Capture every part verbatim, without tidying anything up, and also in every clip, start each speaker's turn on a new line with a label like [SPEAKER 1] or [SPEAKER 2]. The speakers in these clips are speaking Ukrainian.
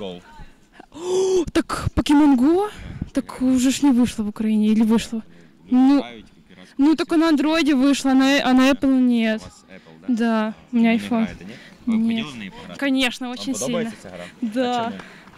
[SPEAKER 1] Go?
[SPEAKER 2] О, так Pokemon Go? Так уже ж не вышло в Украине, или вышло? Ну, ну только на андроиде вышло, а на, а на Apple нет.
[SPEAKER 1] У вас Apple, да?
[SPEAKER 2] Да, у меня
[SPEAKER 1] Ви не
[SPEAKER 2] iPhone.
[SPEAKER 1] граєте, ні? Ви б
[SPEAKER 2] Нет.
[SPEAKER 1] хотіли в неї пограти?
[SPEAKER 2] Конечно,
[SPEAKER 1] Вам
[SPEAKER 2] очень сильно.
[SPEAKER 1] подобається ця гра?
[SPEAKER 2] Да.
[SPEAKER 1] А чому?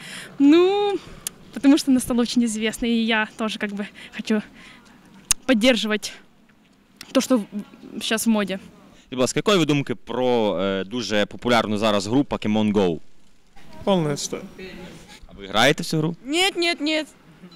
[SPEAKER 2] Ну, потому что она стала очень известной, и я тоже как бы хочу поддерживать то, что сейчас в моде.
[SPEAKER 1] Будь ласка, якої ви думки про е, дуже популярну зараз гру Pokemon Go?
[SPEAKER 3] Полная отстой.
[SPEAKER 1] А ви граєте в цю гру?
[SPEAKER 4] Нет, нет, нет.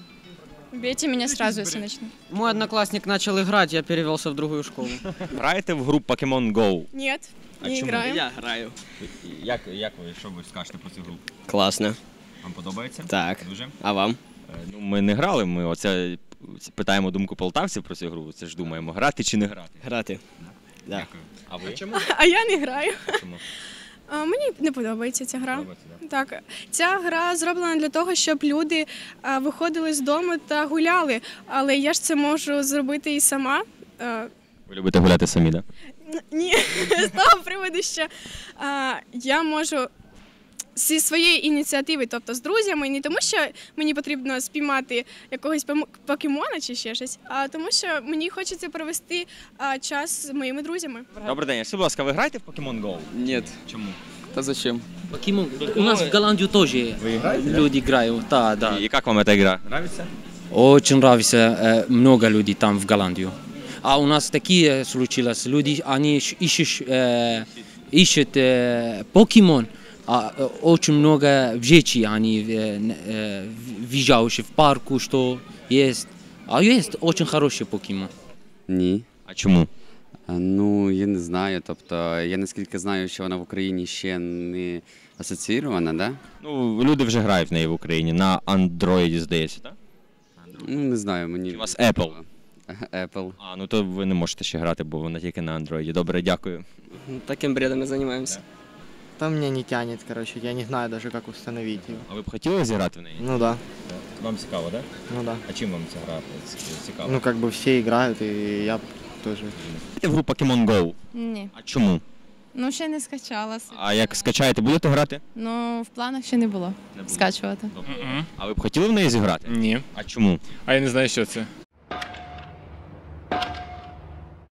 [SPEAKER 4] Убейте меня сразу, если начну.
[SPEAKER 5] Мой одноклассник начал играть, я перевелся в другую школу.
[SPEAKER 1] Граєте в гру Pokemon Go?
[SPEAKER 4] Нет,
[SPEAKER 1] А
[SPEAKER 4] не
[SPEAKER 1] чому?
[SPEAKER 4] играем.
[SPEAKER 6] Я граю.
[SPEAKER 1] Як, як ви, що ви скажете про цю гру?
[SPEAKER 6] Класно.
[SPEAKER 1] Вам подобається?
[SPEAKER 6] Так.
[SPEAKER 1] Дуже?
[SPEAKER 6] А вам?
[SPEAKER 1] Е, Ну, ми не грали, ми оце питаємо думку полтавців про цю гру. Це ж думаємо, грати чи не грати.
[SPEAKER 6] Грати. Да.
[SPEAKER 1] Дякую. А ви?
[SPEAKER 4] А я не граю.
[SPEAKER 1] Чому?
[SPEAKER 4] А, мені не подобається ця гра.
[SPEAKER 1] Подобається, да?
[SPEAKER 4] Так, ця гра зроблена для того, щоб люди а, виходили з дому та гуляли. Але я ж це можу зробити і сама. А,
[SPEAKER 1] Ви любите гуляти самі, так?
[SPEAKER 4] н- ні, з того приводу, що а, я можу зі своєї ініціативи, тобто з друзями, не тому, що мені потрібно спіймати якогось пом- покемона чи ще щось, а тому, що мені хочеться провести а, час з моїми друзями.
[SPEAKER 1] Добрий день. Скажіть, будь ласка, ви граєте в Pokemon Go?
[SPEAKER 6] Нет.
[SPEAKER 1] Чому?
[SPEAKER 6] Да зачем?
[SPEAKER 5] Покемон. У нас в Голландию тоже люди играют. Да, да.
[SPEAKER 1] І як вам ця гра? Нравиться?
[SPEAKER 5] Очень нравится, э, много людей там в Голландию. А у нас такие случилось, люди, они ищ- ищут, э, ищут э, покемон, а э, очень много вещей они э, э, въезжающие в парку, что есть. А есть очень хороший покемон.
[SPEAKER 7] Ні.
[SPEAKER 1] А чому?
[SPEAKER 7] А, Ну, я не знаю. Тобто, я наскільки знаю, що вона в Україні ще не асоційована, да?
[SPEAKER 1] Ну, люди вже грають в неї в Україні, на Android, здається, так?
[SPEAKER 7] Ну, не знаю, мені.
[SPEAKER 1] Чи у вас Apple?
[SPEAKER 7] Apple.
[SPEAKER 1] А, ну то ви не можете ще грати, бо вона тільки на Android. Добре, дякую.
[SPEAKER 6] Таким бредом и занимаемся.
[SPEAKER 8] Там меня не тянет, короче, я не знаю даже, как установить ее.
[SPEAKER 1] А ви б хотіли зіграти в неї?
[SPEAKER 8] Ну да,
[SPEAKER 1] Вам цікаво, так?
[SPEAKER 8] ну да.
[SPEAKER 1] А чим вам ця гра цікава?
[SPEAKER 8] Ну как бы все играют, и я тоже.
[SPEAKER 1] В гру Pokemon Go.
[SPEAKER 9] Ні.
[SPEAKER 1] А чому?
[SPEAKER 9] Ну, ще не скачала.
[SPEAKER 1] А як скачаєте, будете грати?
[SPEAKER 9] Ну, в планах ще не було
[SPEAKER 1] Не було.
[SPEAKER 9] скачувати.
[SPEAKER 1] А ви б хотіли в неї зіграти?
[SPEAKER 3] Ні.
[SPEAKER 1] А чому?
[SPEAKER 3] А я не знаю, що це.